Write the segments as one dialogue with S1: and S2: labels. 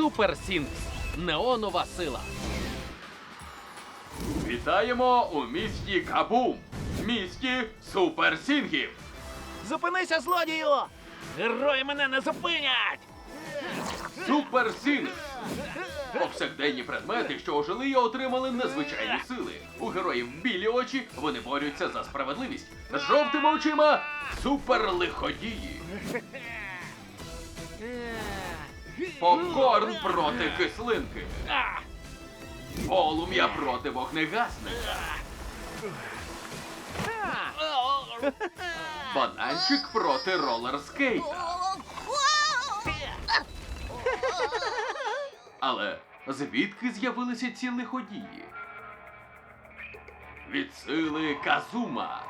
S1: Супер Сінкс. Неонова сила.
S2: Вітаємо у місті Кабум, місті суперсінгів.
S3: Зупинися, злодію! Герої мене не зупинять!
S2: Суперсінгс. Повсякденні предмети, що ожили і отримали незвичайні сили. У героїв білі очі, вони борються за справедливість. З жовтими очима суперлиходії. Попкорн проти кислинки. Полум'я проти вогнегасника. Бананчик проти ролерскейта. Але звідки з'явилися ці лиходії? Від сили Казума.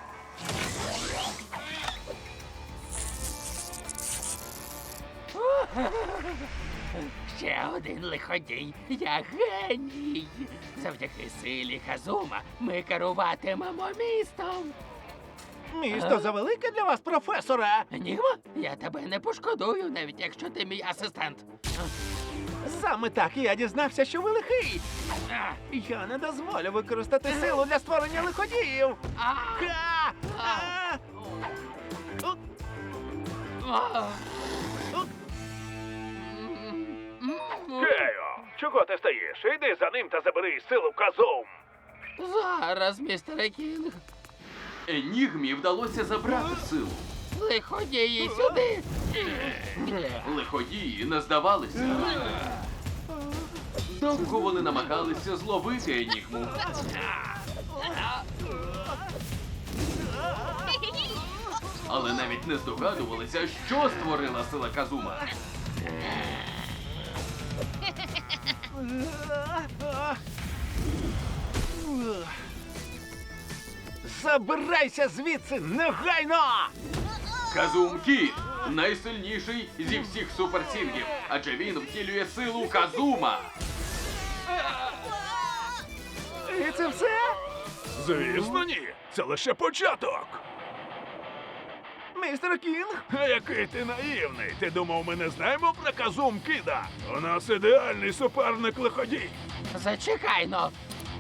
S4: Ще один лиходій. Я геній. Завдяки силі Казума ми керуватимемо містом.
S3: Місто завелике для вас, професоре!
S4: Енігма, я тебе не пошкодую, навіть якщо ти мій асистент.
S3: Саме так я дізнався, що ви лихий! Я не дозволю використати силу для створення лиходіїв! Ха! А!
S5: Кео, чого ти стоїш? Іди за ним та забери силу Казум.
S4: Зараз, містере Кінг.
S2: Енігмі вдалося забрати силу.
S4: Лиходії сюди.
S2: Лиходії не здавалися. Довго вони намагалися зловити Енігму. Але навіть не здогадувалися, що створила сила Казума.
S3: Забирайся звідси негайно!
S2: Казум Кід – найсильніший зі всіх суперсінгів, адже він втілює силу Казума.
S3: І це все?
S5: Звісно, ні. Це лише початок.
S3: Містер Кінг?
S5: А який ти наївний. Ти думав, ми не знаємо про Казум Кіда? У нас ідеальний суперник лиходій.
S4: Зачекай-но.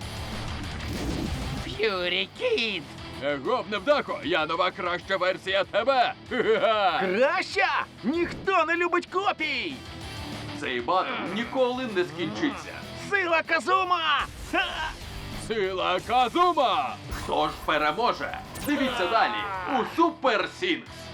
S4: Ф'юрі Кід.
S2: Гоп, невдахо, я нова краща версія тебе. Ха-ха-ха.
S3: Краща! Ніхто не любить копій!
S2: Цей батл ніколи не скінчиться.
S3: Сила Казума! Ха!
S2: Сила Казума! Хто ж переможе? Дивіться далі у Супер Сінгс!